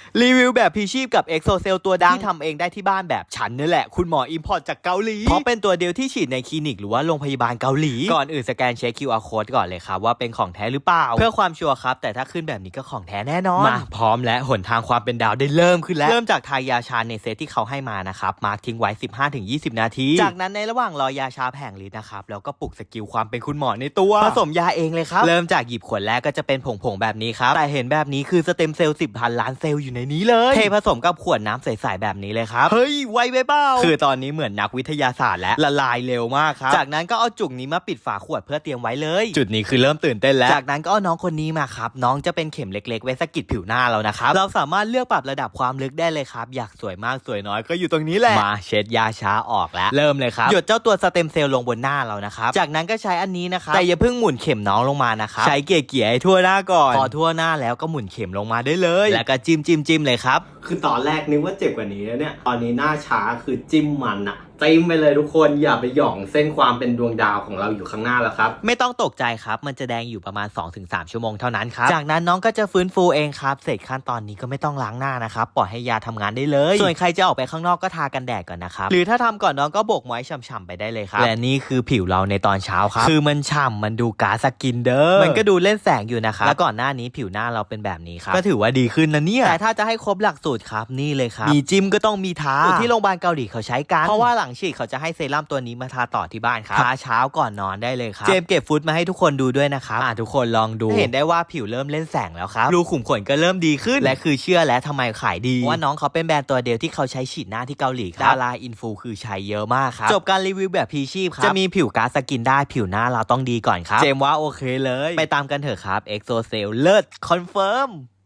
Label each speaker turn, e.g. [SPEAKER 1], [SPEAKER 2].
[SPEAKER 1] รีวิวแบบพีชีพกับเอ็กโซเซลตัวดังที่ทำเองได้ที่บ้านแบบฉันนี่แหละคุณหมออิมพอร์ตจากเกาหลีเพราะเป็นตัวเดียวที่ฉีดในคลินิกหรือว่าโรงพยาบาลเกาหลีก่อนอื่นสแกนเช็ค QR code ก่อนเลยครับว่าเป็นของแท้หรือเปล่าเพื่อความชัวร์ครับแต่ถ้าขึ้นแบบนี้ก็ของแท้แน่นอนมาพร้อมและหนทางความเป็นดาวได้เริ่มขึ้นแล้วเริ่มจากทายาชาในเซตที่เขาให้มานะครับมาร์คทิ้งไว้ 15-20 นาทีจากนั้นในระหว่างรอยาชาแผงฤทธิ์นะครับแล้วก็ปลุกสกิลความเป็นคุณหมอในตัวผสมยาเองเลยครับเริ่มจากหยิบขวดแรกก็จะเป็นผงๆแบบนี้ครับแต่เห็นแบบนี้คือสเต็มเซลล์10,000 ล้านเซลล์อยู่ในนี้เลยเทผสมกับขวดน้ำใสๆแบบนี้เลยครับเฮ้ยไวไปเปล่าคือตอนนี้เหมือนนักวิทยาศาสตร์และละลายเร็วมากครับจากนั้นก็เอาจุกนี้มาปิดฝาขวดเพื่อเตรียมไว้เลยจุดนี้คือเริ่มตื่นเต้นแล้วจากนั้นก็เอาน้องคนนี้มาครับน้องจะเป็นเข็มเล็กๆไว้สะกิดผิวหน้าเรานะครับเราสามารถเลือกปรับระดับความลึกได้เลยครับอยากสวยมากสวยน้อยก็อยู่ตรงนี้แหละมาเช็ดยาช้าออกแล้วเริ่มเลยครับหยดเจ้าตัวสเต็มเซลล์ลงบนหน้าเรานะครับจากนั้นก็ใช้อันนี้นะครับแต่อย่าเพิ่งหมุนเข็มน้องลงมานะครับใช้เกี่ยๆให้ทั่วหน้าก่อนพอทั่วหน้าแล้วก็หมุนเข็มลงมาได้เลยแล้วก็จิ้มเลยครับคือตอนแรกนึกว่าเจ็บกว่านี้แล้วเนี่ยตอนนี้หน้าช้าคือจิ้มมันอะจิ้มไปเลยทุกคนอย่าไปหย่องเส้นความเป็นดวงดาวของเราอยู่ข้างหน้าแล้วครับไม่ต้องตกใจครับมันจะแดงอยู่ประมาณ 2-3 ชั่วโมงเท่านั้นครับจากนั้นน้องก็จะฟื้นฟูเองครับเสร็จขั้นตอนนี้ก็ไม่ต้องล้างหน้านะครับปล่อยให้ยาทำงานได้เลยส่วนใครจะออกไปข้างนอกก็ทากันแดดก่อนนะครับหรือถ้าทำก่อนน้องก็โบกไม้ฉ่ำๆไปได้เลยครับและนี่คือผิวเราในตอนเช้าครับคือมันฉ่ำมันดูก๊าซสกินเด้อมันก็ดูเล่นแสงอยู่นะครับแล้วก่อนหน้านี้ผิวหน้าเราเป็นแบบนี้ครับก็ถือว่าดีขึ้นนะเนี่ยแต่ถ้าจะให้ครบหลักสูตรครับนี่เลยครับมีจิ้มก็ต้องมีทาที่โรงพยาบาลเกาหลีเขาใช้กันเพราะว่าหลังฉีดเขาจะให้เซรั่มตัวนี้มาทาต่อที่บ้านครับทาเช้าก่อนนอนได้เลยครับเจมเก็บฟุตมาให้ทุกคนดูด้วยนะครับทุกคนลองดูเห็นได้ว่าผิวเริ่มเล่นแสงแล้วครับรูขุมขนก็เริ่มดีขึ้นและคือเชื่อแล้วทำไมขายดีว่าน้องเขาเป็นแบรนด์ตัวเดียวที่เขาใช้ฉีดหน้าที่เกาหลีครับดาราอินฟูคือใช้เยอะมากครับจบการรีวิวแบบพีชีพครับจะมีผิวก๊าซสกินได้ผิวหน้าเราต้องดีก่อนครับเจมว่าโอเคเลยไปตามกันเถอะครับเอ็กโซเซลเลิศคอนเฟิร์ม